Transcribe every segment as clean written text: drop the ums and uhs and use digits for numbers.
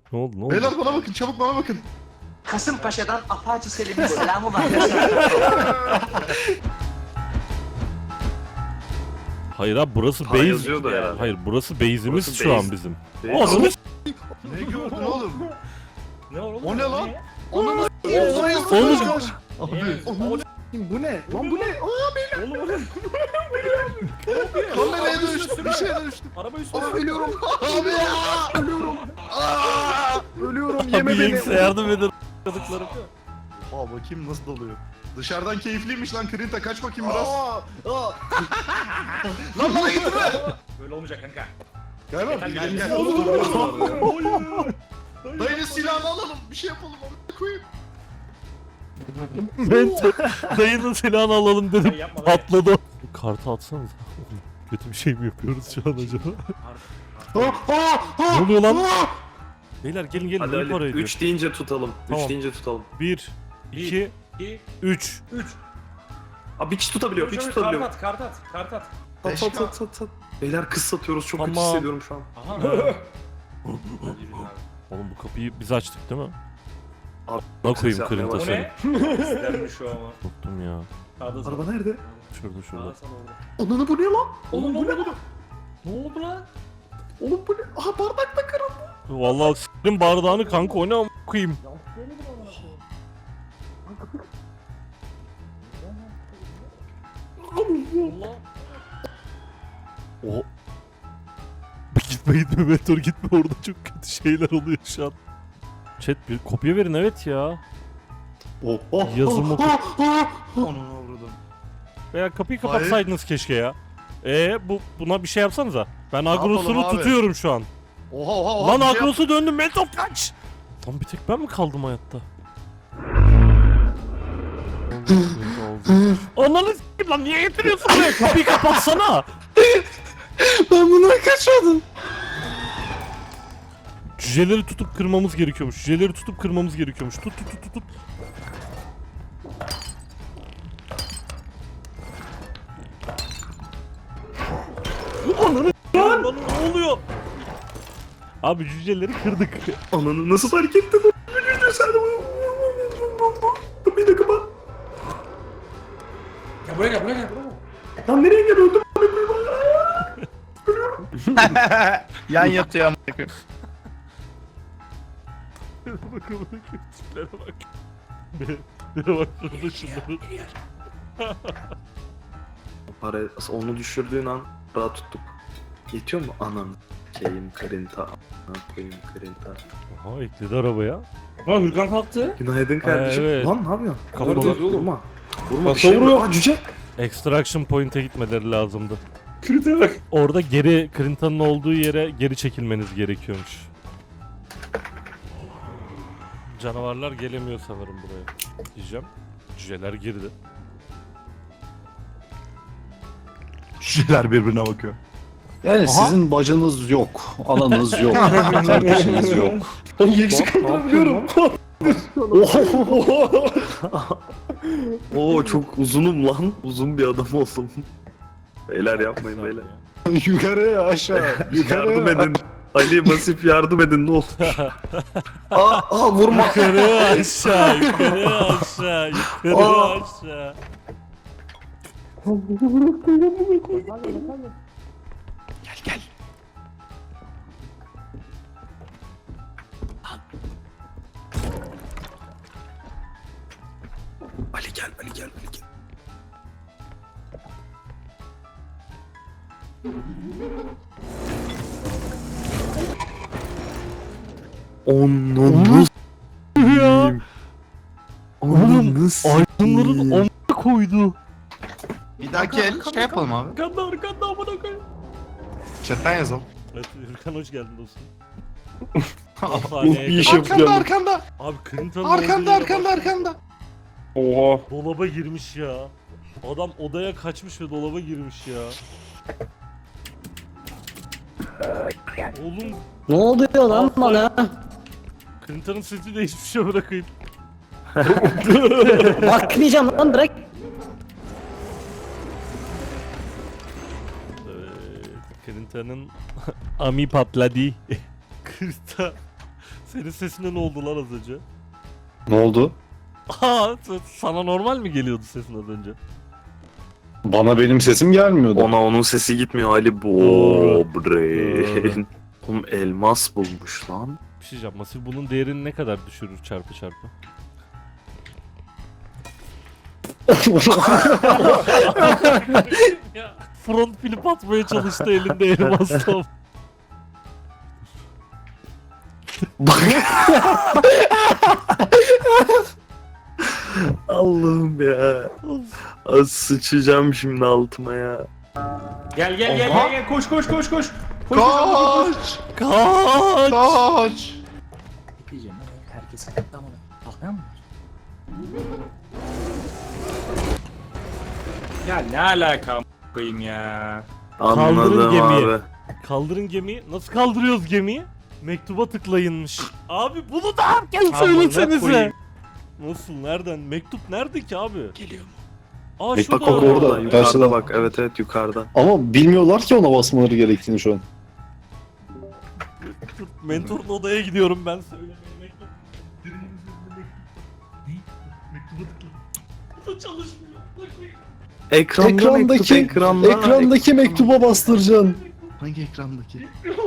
Ne oldu ne oldu? Beyler bana bakın, çabuk bana bakın. Kasımpaşa'dan Apache Selim'in selamı var. Hayır abi burası Para base. yazıyor da ya. Hayır burası base'imiz Burası şu base. an bizim. Base. Ananı Ne gördün oğlum? Ne oğlum? O ne lan? Ne? Ananı Oğlum. Abi. Bu ne? Lan bu ne? Oğlum bu ne? Kameraya dönüştüm, bir şeye dönüştüm. Araba üstüne. Ölüyorum. Abi ya. Ölüyorum. Ölüyorum Abi Yengse yardım edin. Çocuklarım. Aa bakayım nasıl doluyor. Dışarıdan keyifliymiş lan Krinta, kaç bakayım biraz. Lan bana getirme. Böyle olmayacak kanka. Gel lan, gel gel. Oğlum. Dayının silahını alalım, bir şey yapalım, onu koyayım. Ben dayının silahını alalım dedim. Yapma lan. Patladı. Kartı atsanız. Kötü bir şey mi yapıyoruz şu an acaba? Ne oluyor lan? Beyler gelin gelin. Hadi Ne Ali para ediyor? 3 deyince tutalım. Tamam. 3 deyince tutalım. 1, 2, 2, 3. 3. Abi bir kişi tutabiliyor. Bir kişi tutabiliyor. Kart at. At. Beyler kız satıyoruz. Çok kötü Tamam. hissediyorum şu an. Aha. Oğlum bu kapıyı biz açtık değil mi? Abi, Ne ses koyayım yapmaya kırıntı O seni. ne? İstermiş şu ama. Unuttum ya. Sağda Araba nerede? Şurada şurada. Sağda sana orada. Ananı bu ne lan? Oğlum bu ne? Ne oldu lan? Oğlum bu ne? Aha bardak da kırıldı. Vallahi s**tim bardağını kanka o ne am koyayım. Allah. O. Gitme Meteor gitme orada çok kötü şeyler oluyor şu an. Chat bir kopya verin evet ya. Yazım oku. Onu vurdum. Veya kapıyı Hayır. kapatsaydınız keşke ya. Buna bir şey yapsanıza. Ben yapalım agrosunu abi? tutuyorum şu an. Oha Lan bir şey agrosu döndüm Meteor kaç. Lan bir tek ben mi kaldım hayatta? Ananı s**eyim lan niye getiriyorsun buraya? Kapıyı kapatsana. Ben bundan kaçmadım. Cüceleri tutup kırmamız gerekiyormuş. Cüceleri tutup kırmamız gerekiyormuş. Tut. Ananı lan ne oluyor? Abi cüceleri kırdık. Ananı nasıl hareket ettin? Bir dakika bak. Ya buraya gel buraya gel. Lan nereye gel öldüm? Yan yatıyor amına koyayım. Bakın tiplere bak. Bir bak şurada şunları. Para onu düşürdüğün an rahat tuttuk. Yetiyor mu anam? Şeyim kırınta. Koyayım kırınta. Aha ekledi arabaya. Ha Hürkan kalktı. Günaydın kardeşim. evet. Lan ne yapıyorsun? Kafa Vurma, vuruyor. vurma. Vurma bir Kafa şey vuruyor. vuruyor. Aa cüce. Extraction point'e gitmeleri lazımdı. Kürüte bak. Orada geri Clinta'nın olduğu yere geri çekilmeniz gerekiyormuş. Canavarlar gelemiyor sanırım buraya. Diyeceğim. Cüceler girdi. Şişeler birbirine bakıyor. Yani sizin bacınız yok, ananız yok, kardeşiniz yok. Ben yeksi kaldırabiliyorum. Oo çok uzunum lan. Uzun bir adam oldum. Beyler yapmayın beyler. Yukarıya aşağı, Yardım edin. Ali Masif yardım edin ne olur. Aa vurma. Yukarı aşağı, yukarı aşağı, yukarı aşağı. Ali gel Ali gel Ali gel. Onu Ya. Onu Aydınların amına koydu. Bir dahaki el şey yapalım abi. Arkanda amına koyayım. Chatten yazalım. Evet, Hürkan hoş geldin dostum. bir iş yapacağım. Arkanda. Abi Clinta'nın olduğu yere bak. Arkanda. Oha. Dolaba girmiş ya. Adam odaya kaçmış ve dolaba girmiş ya. Oğlum Ne oluyor lan bana? Clinta'nın sesi de hiçbir şey bırakayım. Bakmayacağım lan bırak. Evet, Clinta'nın ami patladı. Clinta Senin sesine ne oldu lan az önce? Ne oldu? Aa, sana normal mi geliyordu sesin az önce? Bana benim sesim gelmiyordu. Ona onun sesi gitmiyor Ali. Doğru. Brain. Oğlum elmas bulmuş lan. Bir şey diyeceğim. Masif bunun değerini ne kadar düşürür çarpı çarpı? Front flip atmaya çalıştı elinde elmasla. Allah'ım ya. Az sıçacağım şimdi altıma ya. Gel gel gel Oha. gel gel koş koş koş koş. Koş Kaç! Kaç! Kaç! Diyeceğim herkes tamam. Bakmıyor musun? Ya ne alaka a** koyayım ya. Kaldırın Anladım gemiyi. abi. Kaldırın gemiyi. Nasıl kaldırıyoruz gemiyi? Mektuba tıklayınmış. Abi bunu da herkes Amına söylesenize. koyayım. Nasıl? Nereden? Mektup nerede ki abi? Geliyor mu? Aa Bak, şurada. bak, orada. Yukarıda Karşıda. bak. Evet evet yukarıda. Ama bilmiyorlar ki ona basmaları gerektiğini şu an. Dur, mentorun odaya gidiyorum ben. Söylemeye mektup. Birinin üzerinde mektup. Ne? Mektuba tıkla. Bu da çalışmıyor. Ekrandaki mektuba bastıracaksın. Hangi ekrandaki?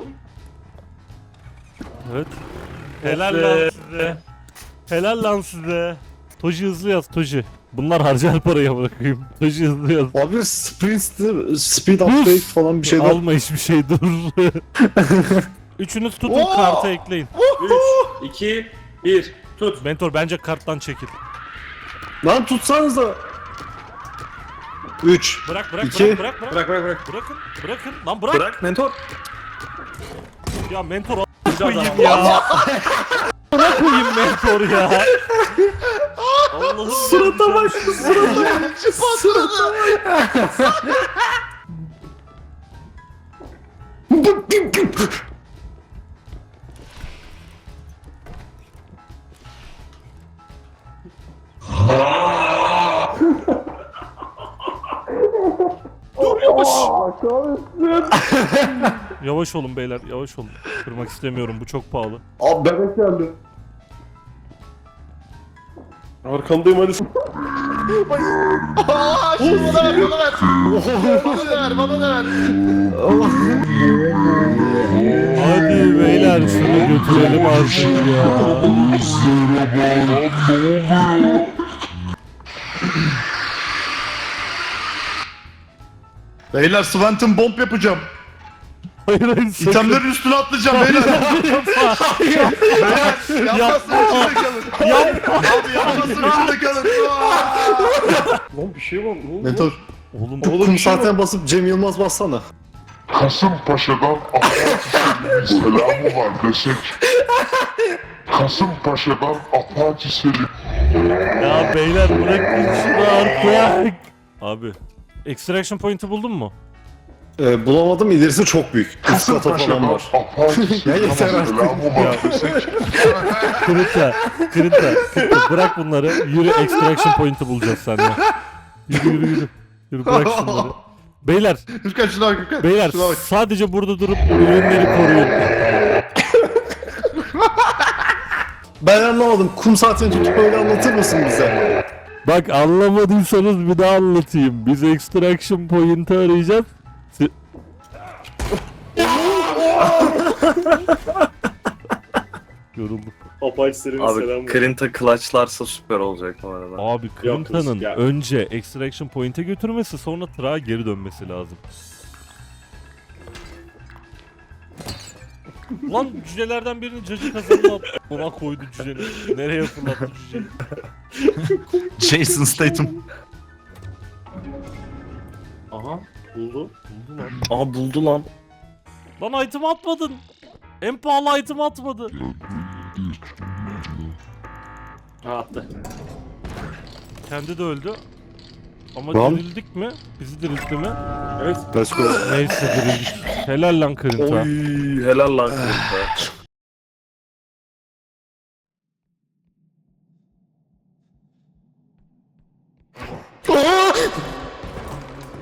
Evet. Helal lan size. Helal lan size. Toji hızlı yaz Toji. Bunlar harcar parayı bırakayım. Toji hızlı yaz. Abi speed update falan bir şeyler. Alma hiçbir şey dur. Üçünüz tutun karta ekleyin. 3, 2, 1 tut. Mentor bence karttan çekil. Lan tutsanıza. 3. Bırak İki. Bırak bırak bırak. Bırakın. Bırakın. Lan bırak. Bırak mentor. Ya mentor Güzel koyayım adam. ya. Bana koyayım mentor ya. Allah'ım. Surata bak şu surata. Yavaş olun beyler, yavaş olun. Kırmak istemiyorum, bu çok pahalı. Abi bebek geldi. Arkandayım Ali. Aaa! Şunu bana ver, bana ver! Bana da ver, bana da ver! Hadi beyler şunu götürelim artık ya. Beyler Swanton bomb yapacağım. Hayır hayır sakın. İtemlerin üstüne atlayacağım beyler. Beyler yapmasın içinde kalın. Abi yapmasın içinde kalın. Lan bir şey var. Ne oldu? Mentor. Oğlum Kum zaten basıp Cem Yılmaz bassana. Kasımpaşa'dan Apache Selim'in selamı var desek. Kasımpaşa'dan Apache Selim. ya beyler bırakın şunu artık. Abi extraction point'i buldun mu? Bulamadım, ilerisi çok büyük. Üst kata falan Kasımpaşa'dan var. Apache Selim'in yeter artık. selamı var desek. Kırınta bırak bunları. Yürü extraction point'i bulacağız seninle. Yürü. Yürü bırak şunları. Beyler Gürkan şuna bak Gürkan. Beyler Şuna bak. sadece burada durup ürünleri koruyun. Ben anlamadım. Kum saatini tutup öyle anlatır mısın bize? Bak anlamadıysanız bir daha anlatayım. Biz extraction point'i arayacağız. Yorulduk. Apache Selim'in selamı Abi var. Krinta clutchlarsa süper olacak bu arada. Abi Clinta'nın ya. önce extraction point'e götürmesi sonra tırağa geri dönmesi lazım. Lan cücelerden birini cacık kazanına attı. Ona koydu cüceni. Nereye fırlattı cüceni? Jason Statham. Aha buldu. Buldu lan. Aa buldu lan. Lan item atmadın. En pahalı item atmadı. Ha attı. Kendi de öldü. Ama Lan. dirildik mi? Bizi diriltti mi? Evet. Let's go. Neyse dirildik. Helal lan Kırınta. Oy helal lan Krinta.